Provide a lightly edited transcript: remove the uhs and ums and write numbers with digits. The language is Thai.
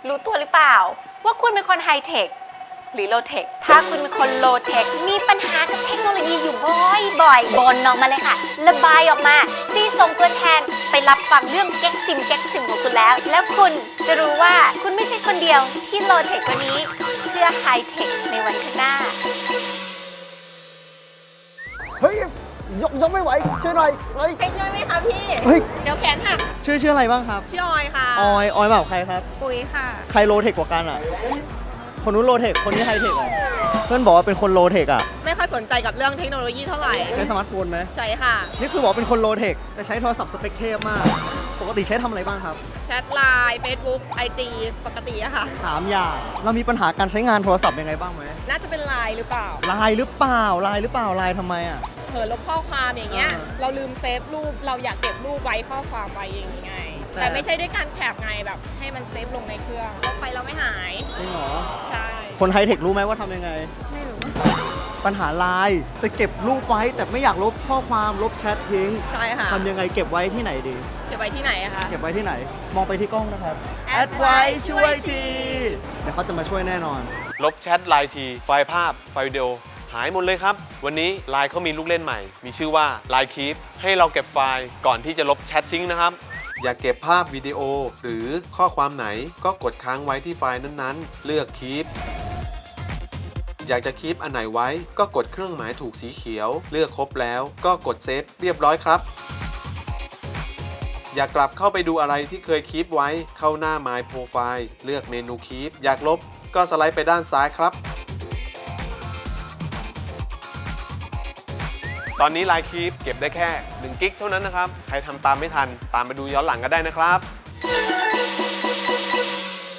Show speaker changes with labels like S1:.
S1: รู้ตัวหรือเปล่าว่าคุณเป็นคนไฮเทคหรือโลเทคถ้าคุณเป็นคนโลเทคมีปัญหากับเทคโนโลยีอยู่บ่อยๆบ่นออกมาเลยค่ะระบายออกมาซีส่งตัวแทนไปรับฟังเรื่องแก๊กซิมของคุณแล้วคุณจะรู้ว่าคุณไม่ใช่คนเดียวที่โลเทคกว่านี้เพื่อไฮเทคในวันข้างหน้า
S2: เฮ้ยยกไม่ไหวช่วยหน่อยเฮ้ย
S3: ไปช่วยไหมคะพี่
S2: เฮ้ย
S3: เดี๋ยวแขนหัก
S2: ชื่ออะไรบ้างครับ
S3: พี่ออยค่ะ
S2: ออยแบบใครครับ
S3: ปุ๋ยค่ะ
S2: ใครโลเทคกว่ากันอ่ะ คนนู้นโลเทคคนนี้ไฮเทคเหรอเพื่อนบอกว่าเป็นคนโลเทคอ่ะ
S3: ไม่ค่อยสนใจกับเรื่องเทคโนโลยีเท่าไหร่
S2: ใช้สมาร์ทโฟนไหม
S3: ใช่ค่ะ
S2: นี่คือบอกเป็นคนโลเทคแต่ใช้โทรศัพท์สเปคเทพมาก ปกติใช้ทำอะไรบ้างครับ
S3: แชทไลน์ Facebook IG ปกติอะค่ะ
S2: 3 อย่างเรามีปัญหาการใช้งานโทรศัพท์ยังไงบ้างไหม
S3: น่าจะเป็นไลน์หรือเปล่า
S2: ไลน์หรือเปล่าไลน์หรือเปล่าไลน์ทำไมอ่ะ
S3: เผลอลบข้อความอย่างเงี้ย
S2: อ่า
S3: เราลืมเซฟรูป เราอยากเก็บรูปไว้ข้อความไว้อย่างงี้ไง
S2: แต่
S3: แต่ไม่ใช่ด้วยการแคปไงแบบให้มันเซฟลงในเครื่องลบไปเราไม่หาย
S2: จริงเหรอ
S3: ใช่
S2: คนไฮเทครู้ไหมว่าทำยังไง
S3: ไม่รู้
S2: ปัญหาไลน์จะเก็บรูปไว้แต่ไม่อยากลบข้อความลบแชททิ้ง
S3: ใช่ค่ะ
S2: ทำยังไงเก็บไว้ที่ไหนดี
S3: เก็บไว้ที่ไหนอะคะ
S2: เก็บไว้ที่ไหน มองไปที่กล้องนะครับ
S3: แอดไว้ช่วยที
S2: เดี๋ยวเขาจะมาช่วยแน่นอน
S4: ลบแชทไลน์ทีไฟล์ภาพไฟล์วิดีโอหายหมดเลยครับ วันนี้ไลน์เขามีลูกเล่นใหม่ มีชื่อว่า Line Keep ให้เราเก็บไฟล์ก่อนที่จะลบแชททิ้งนะครับ อยากเก็บภาพวิดีโอหรือข้อความไหนก็กดค้างไว้ที่ไฟล์นั้นๆ เลือก Keep อยากจะคีปอันไหนไว้ก็กดเครื่องหมายถูกสีเขียว เลือกครบแล้วก็กดเซฟเรียบร้อยครับ อยากกลับเข้าไปดูอะไรที่เคยคีปไว้เข้าหน้า My Profile เลือกเมนู Keep อยากลบก็สไลด์ไปด้านซ้ายครับ ตอนนี้ Line Keep เก็บได้แค่1 กิกเท่านั้นนะครับ ใครทำตามไม่ทันตามไปดูย้อนหลังก็ได้นะครับ